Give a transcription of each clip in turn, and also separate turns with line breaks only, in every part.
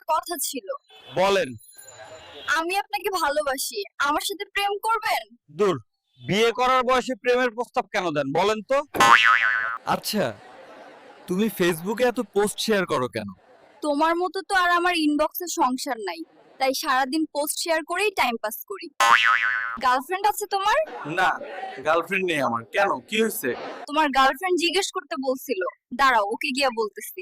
কথা ছিল।
বলেন।
আমি আপনাকে ভালোবাসি, আমার সাথে প্রেম করবেন?
দূর, বিয়ে করার বয়সে প্রেমের প্রস্তাব কেন দেন বলেন তো?
আচ্ছা, তুমি ফেসবুকে এত পোস্ট শেয়ার করো কেন?
তোমার মতো তো আর আমার ইনবক্সে সংসার নাই, তাই সারাদিন পোস্ট শেয়ার করেই টাইম পাস করি। গার্লফ্রেন্ড আছে তোমার?
না, গার্লফ্রেন্ড নেই আমার। কেন, কি হয়েছে?
তোমার গার্লফ্রেন্ড জিজ্ঞেস করতে বলছিল, দাঁড়াও ওকে গিয়া বলতেছি।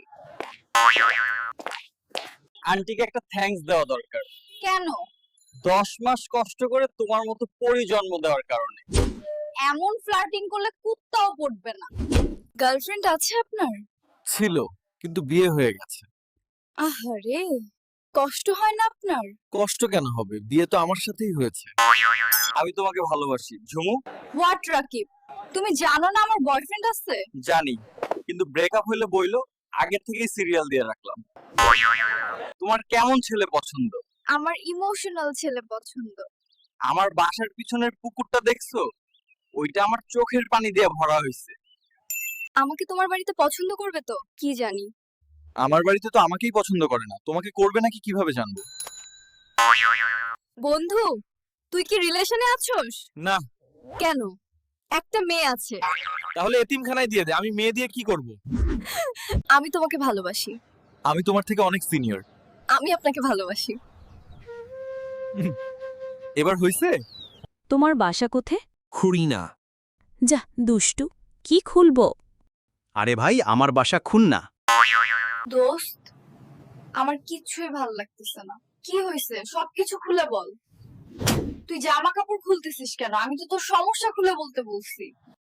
আন্টিকে একটা থ্যাঙ্কস দেওয়া দরকার।
কেন?
10 মাস কষ্ট করে তোমার মতো পরি জন্ম দেওয়ার কারণে।
এমন ফ্লার্টিং করলে কুত্তাও পড়বে না। গার্লফ্রেন্ড আছে আপনার?
ছিল, কিন্তু বিয়ে হয়ে গেছে।
আহারে, কষ্ট হয় না আপনার?
কষ্ট কেন হবে, বিয়ে তো আমার সাথেই হয়েছে।
আমি তোমাকে ভালোবাসি ঝুমু।
হোয়াট রাকিব, তুমি জানো না আমার বয়ফ্রেন্ড আছে?
জানি, কিন্তু ব্রেকআপ হইলে বইলো, আগে থেকেই সিরিয়াল দিয়ে রাখলাম। তোমার কেমন ছেলে পছন্দ?
আমার ইমোশনাল ছেলে পছন্দ।
আমার বাসার পিছনের পুকুরটা দেখছো? ওইটা আমার চোখের পানি দিয়ে ভরা হয়েছে।
আমাকে তোমার বাড়িতে পছন্দ করবে তো? কি জানি।
আমার বাড়িতে তো আমাকেই পছন্দ করে না, তোমাকে করবে নাকি কিভাবে জানবো?
বন্ধু, তুই কি রিলেশনে আছোস?
না।
কেন? একটা মেয়ে আছে।
তাহলে এতিমখানায় দিয়ে দে, আমি মেয়ে দিয়ে কি করব?
আমি তোমাকে ভালোবাসি।
আমি তোমার থেকে অনেক সিনিয়র।
আমি আপনাকে ভালোবাসি।
এবার হইছে?
তোমার বাসা কোথে?
খুড়িনা।
যা দুষ্টু, কি খুলবো?
আরে ভাই, আমার বাসা খুলনা।
দোস্ত, আমার কিচ্ছুই ভালো লাগতেছে না। কি হয়েছে সবকিছু খুলে বল। তুই জামা কাপড় খুলতেছিস কেন? আমি তো তোর সমস্যা খুলে বলতে বলছি।